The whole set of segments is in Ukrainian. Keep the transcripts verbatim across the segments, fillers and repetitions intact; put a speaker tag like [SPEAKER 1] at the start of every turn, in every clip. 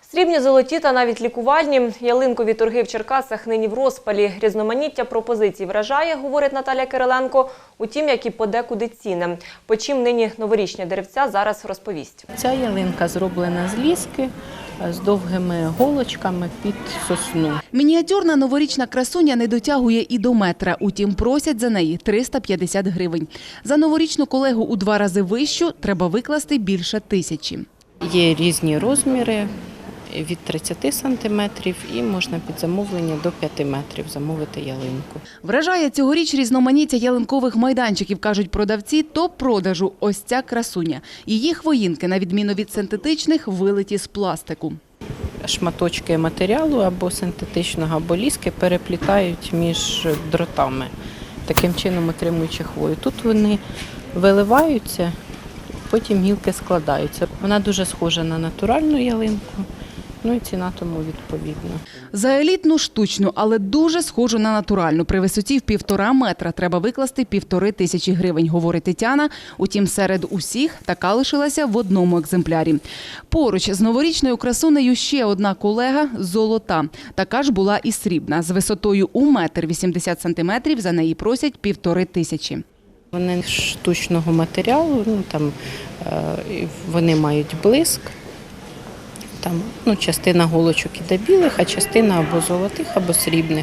[SPEAKER 1] Срібні, золоті та навіть лікувальні. Ялинкові торги в Черкасах нині в розпалі. Різноманіття пропозицій вражає, говорить Наталя Кириленко. Утім, як і подекуди ціни. По чим нині новорічні деревця, зараз розповість.
[SPEAKER 2] Ця ялинка зроблена з ліски, з довгими голочками під сосну.
[SPEAKER 3] Мініатюрна новорічна красуня не дотягує і до метра, утім просять за неї триста п'ятдесят гривень. За новорічну колегу у два рази вищу треба викласти більше тисячі.
[SPEAKER 2] Є різні розміри від тридцяти сантиметрів і можна під замовлення до п'яти метрів замовити ялинку.
[SPEAKER 3] Вражає цьогоріч різноманіття ялинкових майданчиків, кажуть продавці, топ-продажу – ось ця красуня. Її хвоїнки, на відміну від синтетичних, вилиті з пластику.
[SPEAKER 2] Шматочки матеріалу або синтетичного, або ліски переплітають між дротами, таким чином отримуючи хвою. Тут вони виливаються, потім гілки складаються. Вона дуже схожа на натуральну ялинку. Ну і ціна тому відповідна.
[SPEAKER 3] За елітну штучну, але дуже схожу на натуральну. При висоті в півтора метра треба викласти півтори тисячі гривень, говорить Тетяна. Утім, серед усіх така лишилася в одному екземплярі. Поруч з новорічною красунею ще одна колега – золота. Така ж була і срібна. З висотою у метр вісімдесят сантиметрів за неї просять півтори тисячі.
[SPEAKER 2] Вони штучного матеріалу, ну, там, е, вони мають блиск. Там, ну, частина голочок іде білих, а частина або золотих, або срібних.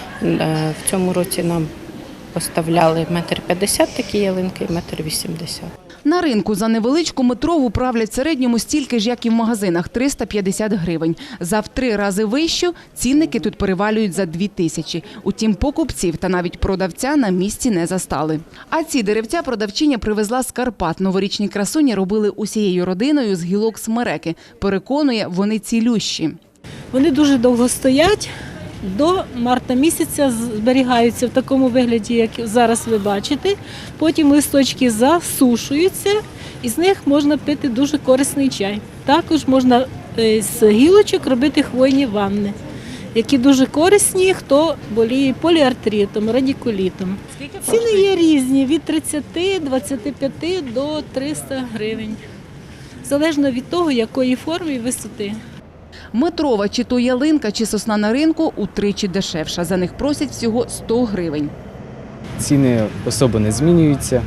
[SPEAKER 2] В цьому році нам поставляли метр п'ятдесят такі ялинки і метр вісімдесят.
[SPEAKER 3] На ринку за невеличку метрову правлять в середньому стільки ж, як і в магазинах – триста п'ятдесят гривень. За в три рази вищу цінники тут перевалюють за дві тисячі. Утім, покупців та навіть продавця на місці не застали. А ці деревця продавчиня привезла з Карпат. Новорічні красуні робили усією родиною з гілок смереки. Переконує, вони цілющі.
[SPEAKER 4] Вони дуже довго стоять. До марта місяця зберігаються в такому вигляді, як зараз ви бачите. Потім листочки засушуються і з них можна пити дуже корисний чай. Також можна з гілочок робити хвойні ванни, які дуже корисні, хто боліє поліартритом, радикулітом. Ціни є різні – від тридцяти, двадцяти п'яти до трьохсот гривень. Залежно від того, якої форми і висоти.
[SPEAKER 3] Метрова чи то ялинка, чи сосна на ринку утричі дешевша. За них просять всього сто гривень.
[SPEAKER 5] Ціни особо не змінюються.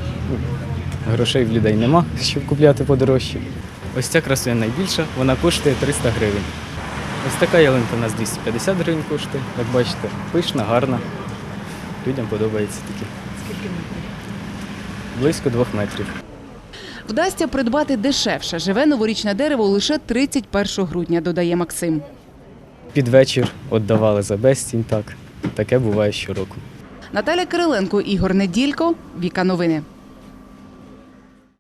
[SPEAKER 5] Грошей в людей нема, щоб купляти подорожче. Ось ця красуня найбільша, вона коштує триста гривень. Ось така ялинка у нас двісті п'ятдесят гривень коштує. Як бачите, пишна, гарна. Людям подобається такі.
[SPEAKER 3] Скільки метрів?
[SPEAKER 5] Близько двох метрів.
[SPEAKER 3] Вдасться придбати дешевше. Живе новорічне дерево лише тридцять першого грудня, додає Максим.
[SPEAKER 5] Під вечір віддавали за безцінь, так. Таке буває щороку.
[SPEAKER 3] Наталя Кириленко, Ігор Неділько, Віка Новини.